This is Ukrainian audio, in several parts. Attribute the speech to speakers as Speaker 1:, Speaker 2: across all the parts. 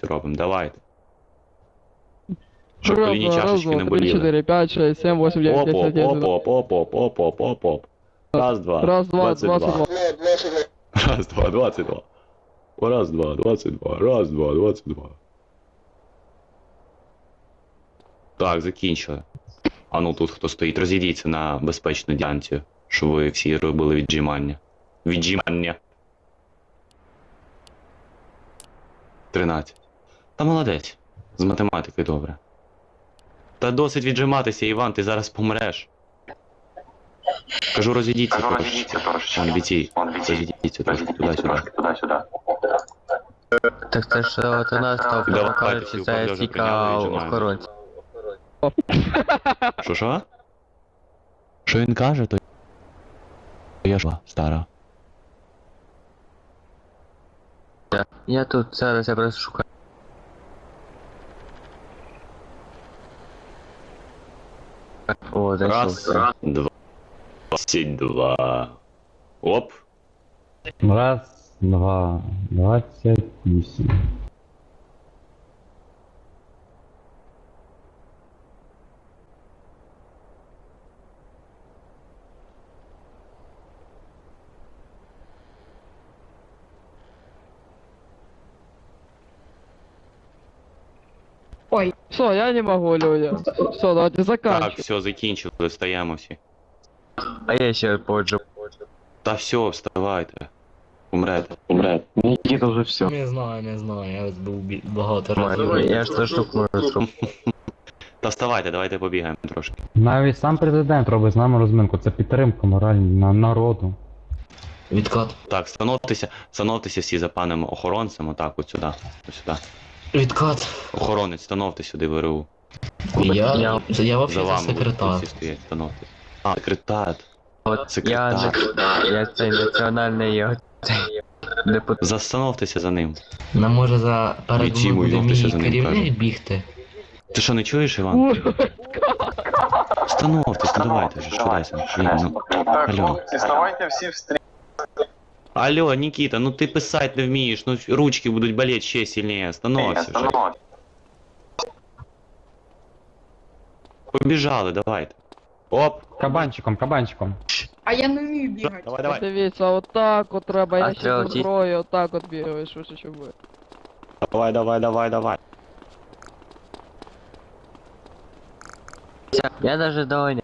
Speaker 1: дискусію робимо, давайте. Щоб
Speaker 2: Раз,
Speaker 1: коліні
Speaker 2: два, раз,
Speaker 1: чашечки не
Speaker 2: два, три,
Speaker 1: боліли.
Speaker 2: 4, 5, 6, 7, 8, 9, 10, 11,
Speaker 1: Оп-оп-оп-оп-оп-оп-оп-оп-оп. Раз, два,
Speaker 2: Раз, два,
Speaker 1: 22.
Speaker 2: 22.
Speaker 1: Раз, два, 22. Раз, два, 22. Раз, два, 22. Так, закінчили. А ну тут хто стоїть, розійдіться на безпечну ділянцю, щоб ви всі робили віджимання. Віджимання. 13. Та молодець. З математики добре. Та досить віджиматися, Іван, ти зараз помреш. Кажу, розійдіться трошечки. Вон бійці, розійдіться трошки туди-сюди.
Speaker 3: Так це ж от у нас там
Speaker 1: Давайте,
Speaker 3: кажуть,
Speaker 1: всі
Speaker 3: що це
Speaker 1: управляжі
Speaker 3: тільки
Speaker 1: прийняли, віджимаємося.
Speaker 3: охоронці.
Speaker 1: Що? Що він каже, то я ж стара.
Speaker 3: Я тут зараз я просто шукаю. О,
Speaker 1: Раз,
Speaker 3: зайшов.
Speaker 1: два, 22. Оп.
Speaker 4: Раз, два, 28.
Speaker 2: Ой, все, я не могу, люди. Все, давайте
Speaker 1: Так,
Speaker 2: заканчиваем.
Speaker 1: все, закінчили, встаємо всі.
Speaker 3: А я ще поджу.
Speaker 1: Та все, вставайте. Умрете.
Speaker 3: Нікіта вже все.
Speaker 5: Не знаю, я ось був багато разів.
Speaker 3: Я ж 100 штук можу зробити.
Speaker 1: Та вставайте, давайте побігаємо трошки.
Speaker 4: Навіть сам президент робить з нами розминку. Це підтримка моральна народу.
Speaker 5: Відкат.
Speaker 1: Так, становтеся всі за паном охоронцем, отак, от сюди. Ось сюди.
Speaker 5: Відкат.
Speaker 1: Охоронець, становте сюди ВРУ.
Speaker 5: Я
Speaker 1: За
Speaker 5: взагалі
Speaker 1: вами
Speaker 5: секретар.
Speaker 1: всі стоять, становте. А, секретар.
Speaker 3: От
Speaker 1: Секретар.
Speaker 3: я цей національний цей депутат.
Speaker 1: Застановтеся за ним.
Speaker 5: Нам може за перед
Speaker 1: Бійці мої,
Speaker 5: буде
Speaker 1: ногтися
Speaker 5: мій
Speaker 1: за ним,
Speaker 5: керівник
Speaker 1: кажу.
Speaker 5: бігти.
Speaker 1: Ти що, не чуєш, Іван? Становтесь, ну давайте вже, швидайся. Блін, ну.
Speaker 6: Так,
Speaker 1: Алло.
Speaker 6: хлопці, ставайте всі в стрій.
Speaker 1: Алло, Нікіта, ну ти писати не вмієш, ну ручки будуть болеть ще сильніше. Становься вже. Побіжали, давайте. Оп.
Speaker 4: Кабанчиком, кабанчиком.
Speaker 7: А я не вмію бігати.
Speaker 1: Давай, давай.
Speaker 2: Дивіться, отак от треба, я ще
Speaker 3: треба
Speaker 2: зі зброю, отак от бігаєш, що буде.
Speaker 1: Давай.
Speaker 3: Я даже доганяю.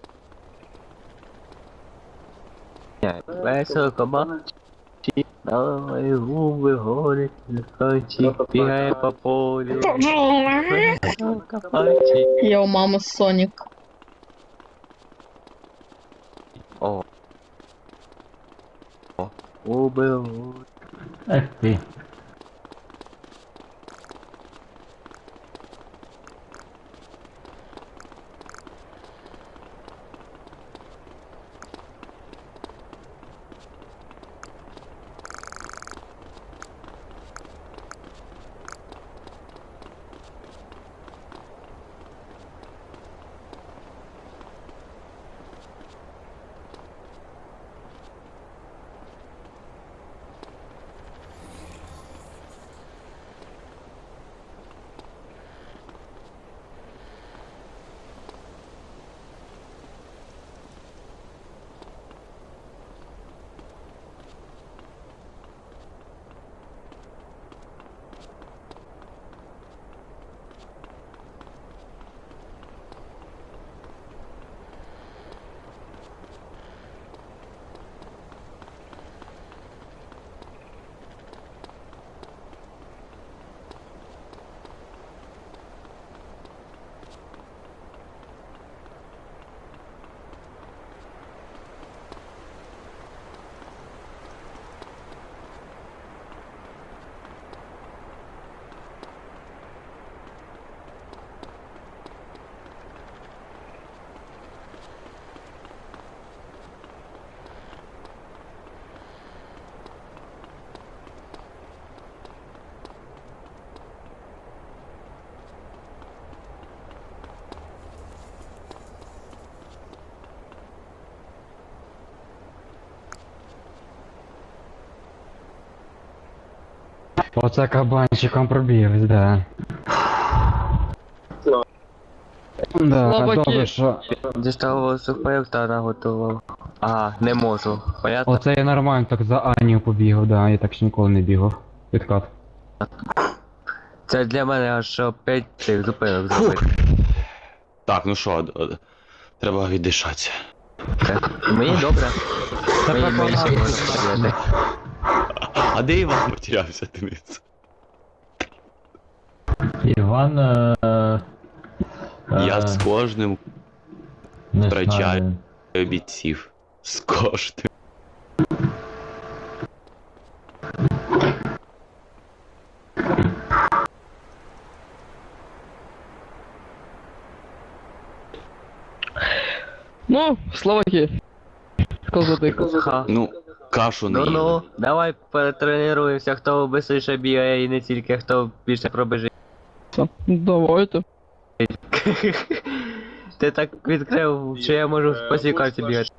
Speaker 3: Весело кабанчик, на мої губи горить, лихончик, бігає по полю. Весело кабанчик.
Speaker 7: Йо, мама Сонік.
Speaker 3: О. Губи горить.
Speaker 4: Ех ти. Оце кабанчиком пробіг, да. Да,
Speaker 2: Слабаки.
Speaker 4: добре, що...
Speaker 3: Дістав сухпайок та наготував. Ага, не можу. Понятно?
Speaker 4: Оце я нормально так за Анію побігав, да, я так ще ніколи не бігав. Відкат.
Speaker 3: Це для мене аж 5 цих зупинок зробити.
Speaker 1: Так, ну що, треба віддишатися.
Speaker 3: Мені добре. Мені
Speaker 4: понадобилось.
Speaker 3: ще можна побігати.
Speaker 1: А де Іван потерявся, Денис?
Speaker 6: Іван,
Speaker 1: Я з кожним
Speaker 6: не
Speaker 1: втрачаю
Speaker 6: знаю.
Speaker 1: бійців. З кожним.
Speaker 2: Ну, Словаки. Козати.
Speaker 3: Ха.
Speaker 1: Ну, кашу не
Speaker 3: Ну-ну,
Speaker 1: їли.
Speaker 3: давай перетренуємося, хто швидше бігає і не тільки, хто більше пробіжить.
Speaker 2: Давайте.
Speaker 3: Ти так відкрив, що я можу по цій карті бігати.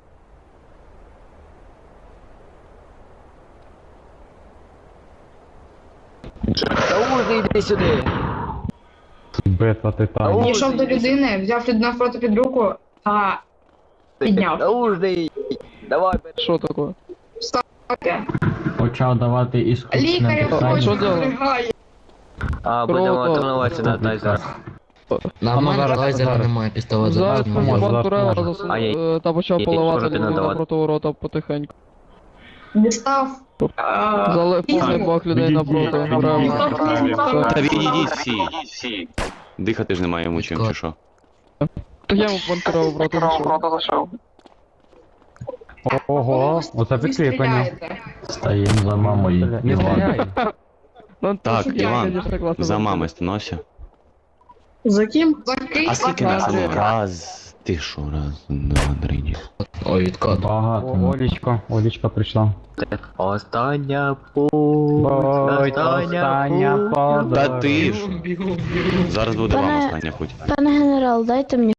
Speaker 3: Йди сюди!
Speaker 4: Битва титанів.
Speaker 7: Підійшов до людини, взяв людину навпроти під руку та підняв.
Speaker 3: Наужний! Давай,
Speaker 2: Що таке?
Speaker 7: Окей.
Speaker 6: Почав давати іскусне
Speaker 7: Лікаря
Speaker 2: Що
Speaker 6: дихання.
Speaker 7: хоче
Speaker 2: делать?
Speaker 7: здригає.
Speaker 3: А, будемо
Speaker 2: Круто.
Speaker 3: тренуватися на тайзер.
Speaker 5: На мене
Speaker 4: зараз,
Speaker 5: лазера
Speaker 4: зараз.
Speaker 5: немає, пістолет
Speaker 2: Зараз
Speaker 5: зараз немає.
Speaker 4: поможе.
Speaker 2: пан Турела
Speaker 4: зараз
Speaker 3: поможе.
Speaker 2: та почав
Speaker 3: Ні,
Speaker 2: поливати
Speaker 3: що ти
Speaker 2: людину
Speaker 3: надавати?
Speaker 2: напроти ворота потихеньку.
Speaker 7: Дістав.
Speaker 2: Залив
Speaker 7: Візьму.
Speaker 2: повний бак людей напроти. Правильно.
Speaker 1: Та відійдіть всі. Дихати ж немає йому чим, чи що?
Speaker 2: Так я йому пан Турела в рота зайшов.
Speaker 4: Ого, оце
Speaker 7: Ви
Speaker 4: підклікання.
Speaker 7: стріляєте.
Speaker 6: Стаєм за мамою.
Speaker 4: Не
Speaker 6: Іван.
Speaker 4: стріляй.
Speaker 2: Ну,
Speaker 1: Так,
Speaker 2: це я,
Speaker 1: Іван,
Speaker 2: конечно, класно
Speaker 1: За
Speaker 2: виглядає.
Speaker 1: мами становся.
Speaker 7: За ким? За ким?
Speaker 1: А скільки нас? А ну, раз. Ти що, раз, два, три.
Speaker 5: Ой, відкат.
Speaker 4: Багато. Олічка прийшла.
Speaker 3: Остання путь,
Speaker 4: Ой, остання
Speaker 3: путь.
Speaker 4: подорож.
Speaker 1: Та ти ж. Зараз буде вам
Speaker 8: Пане-
Speaker 1: остання путь.
Speaker 8: Пане генерал, дайте мені